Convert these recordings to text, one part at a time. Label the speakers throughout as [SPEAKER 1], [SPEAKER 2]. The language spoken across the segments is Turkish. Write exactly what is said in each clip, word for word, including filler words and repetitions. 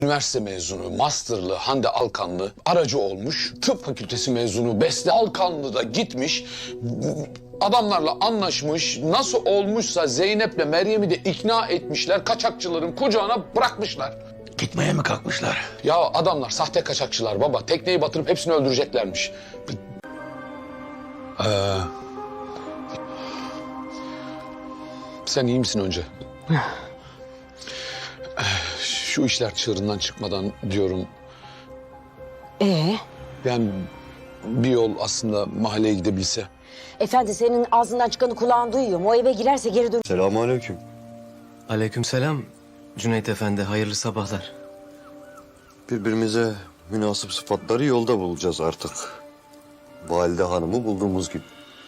[SPEAKER 1] Üniversite mezunu, masterlı Hande Alkanlı aracı olmuş. Tıp fakültesi mezunu Beste Alkanlı da gitmiş. Adamlarla anlaşmış. Nasıl olmuşsa Zeynep'le Meryem'i de ikna etmişler. Kaçakçıların kucağına bırakmışlar.
[SPEAKER 2] Gitmeye mi kalkmışlar?
[SPEAKER 1] Ya adamlar sahte kaçakçılar baba. Tekneyi batırıp hepsini öldüreceklermiş. Ee, sen iyi misin önce? Şu işler çığırından çıkmadan diyorum.
[SPEAKER 3] Ee?
[SPEAKER 1] Yani bir yol aslında mahalleye gidebilse.
[SPEAKER 3] Efendi senin ağzından çıkanı kulağın duyuyor mu? O eve girerse geri dön.
[SPEAKER 4] Selamünaleyküm.
[SPEAKER 5] Aleykümselam Cüneyt Efendi, hayırlı sabahlar.
[SPEAKER 4] Birbirimize münasip sıfatları yolda bulacağız artık. Valide hanımı bulduğumuz gibi.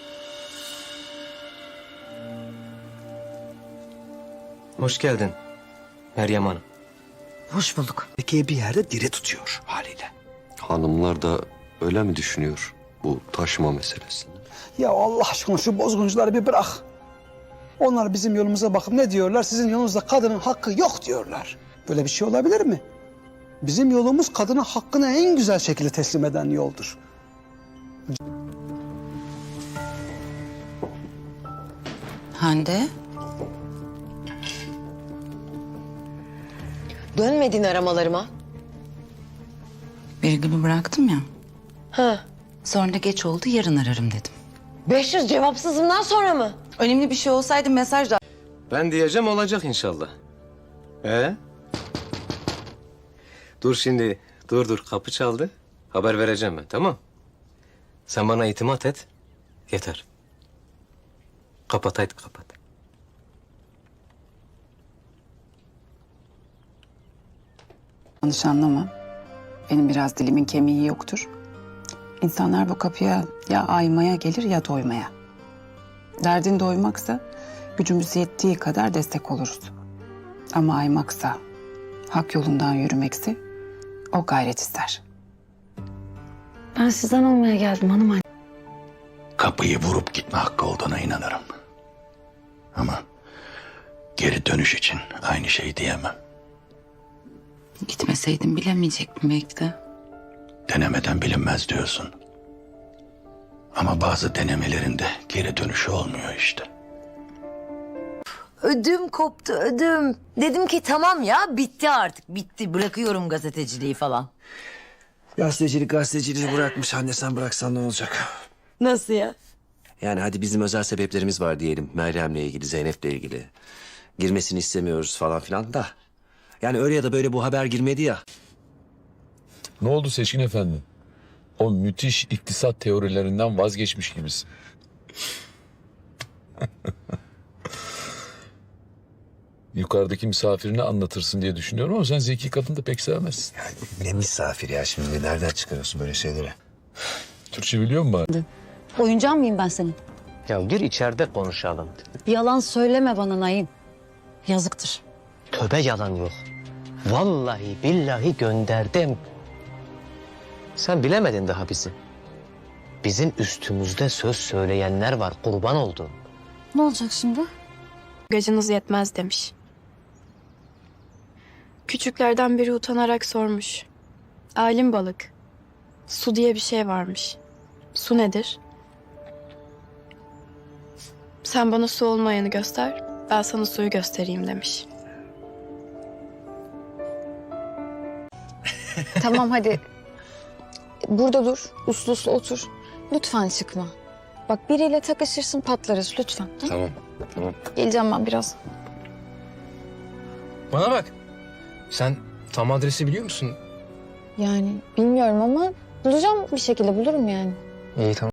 [SPEAKER 5] Hoş geldin Meryem Hanım.
[SPEAKER 3] Hoş bulduk.
[SPEAKER 2] Peki bir yerde diri tutuyor haliyle.
[SPEAKER 4] Hanımlar da öyle mi düşünüyor bu taşıma meselesini?
[SPEAKER 6] Ya Allah aşkına şu bozguncuları bir bırak. Onlar bizim yolumuza bakıp ne diyorlar? Sizin yolunuzda kadının hakkı yok diyorlar. Böyle bir şey olabilir mi? Bizim yolumuz kadına hakkını en güzel şekilde teslim eden yoldur.
[SPEAKER 7] Hande,
[SPEAKER 3] Dönmedin aramalarıma.
[SPEAKER 7] Birgül'ü bıraktım ya.
[SPEAKER 3] Ha.
[SPEAKER 7] Sonra geç oldu, yarın ararım dedim.
[SPEAKER 3] beş yüz cevapsızımdan sonra mı?
[SPEAKER 7] Önemli bir şey olsaydı mesaj da...
[SPEAKER 5] Ben diyeceğim, olacak inşallah. Ee? Dur şimdi, dur dur, kapı çaldı. Haber vereceğim ben, tamam? Sen bana itimat et, yeter. Kapat, haydi kapat.
[SPEAKER 7] Yanlış anlama. Benim biraz dilimin kemiği yoktur. İnsanlar bu kapıya ya aymaya gelir ya doymaya. Derdin doymaksa gücümüz yettiği kadar destek oluruz. Ama aymaksa, hak yolundan yürümekse o gayret ister.
[SPEAKER 3] Ben sizden olmaya geldim hanım.
[SPEAKER 2] Kapıyı vurup gitme hakkı olduğuna inanırım. Ama geri dönüş için aynı şeyi diyemem.
[SPEAKER 7] Gitmeseydim bilemeyecektim belki de.
[SPEAKER 2] Denemeden bilinmez diyorsun. Ama bazı denemelerinde geri dönüşü olmuyor işte.
[SPEAKER 8] Ödüm koptu ödüm. Dedim ki tamam ya bitti artık bitti bırakıyorum gazeteciliği falan.
[SPEAKER 9] Gazetecilik gazeteciliği bırakmış. Anne sen bıraksan ne olacak?
[SPEAKER 8] Nasıl ya?
[SPEAKER 9] Yani hadi bizim özel sebeplerimiz var diyelim. Meryem'le ilgili, Zeynep'le ilgili. Girmesini istemiyoruz falan filan da. Yani öyle ya da böyle bu haber girmedi ya.
[SPEAKER 1] Ne oldu Seçkin Efendi? O müthiş iktisat teorilerinden vazgeçmiş gibisin. Yukarıdaki misafirine anlatırsın diye düşünüyorum ama sen zeki kadını da pek sevmezsin.
[SPEAKER 9] Ne misafir ya şimdi? Nereden çıkarıyorsun böyle şeyleri?
[SPEAKER 1] Türkçe biliyor musun bari?
[SPEAKER 10] Oyuncağın mıyım ben senin?
[SPEAKER 5] Ya gir içeride konuşalım.
[SPEAKER 10] Yalan söyleme bana Naim. Yazıktır.
[SPEAKER 5] Tövbe, yalan yok. Vallahi billahi gönderdim. Sen bilemedin daha bizi. Bizim üstümüzde söz söyleyenler var, kurban oldun.
[SPEAKER 10] Ne olacak şimdi?
[SPEAKER 11] Gacınız yetmez demiş. Küçüklerden biri utanarak sormuş. Alim balık, su diye bir şey varmış. Su nedir? Sen bana su olmayanı göster, ben sana suyu göstereyim demiş.
[SPEAKER 10] Tamam hadi. Burada dur. Uslu uslu otur. Lütfen çıkma. Bak biriyle takışırsın patlarız lütfen. Tamam.
[SPEAKER 5] Tamam, tamam.
[SPEAKER 10] Geleceğim ben biraz.
[SPEAKER 5] Bana bak. Sen tam adresi biliyor musun?
[SPEAKER 10] Yani bilmiyorum ama bulacağım bir şekilde bulurum yani.
[SPEAKER 5] İyi, tamam.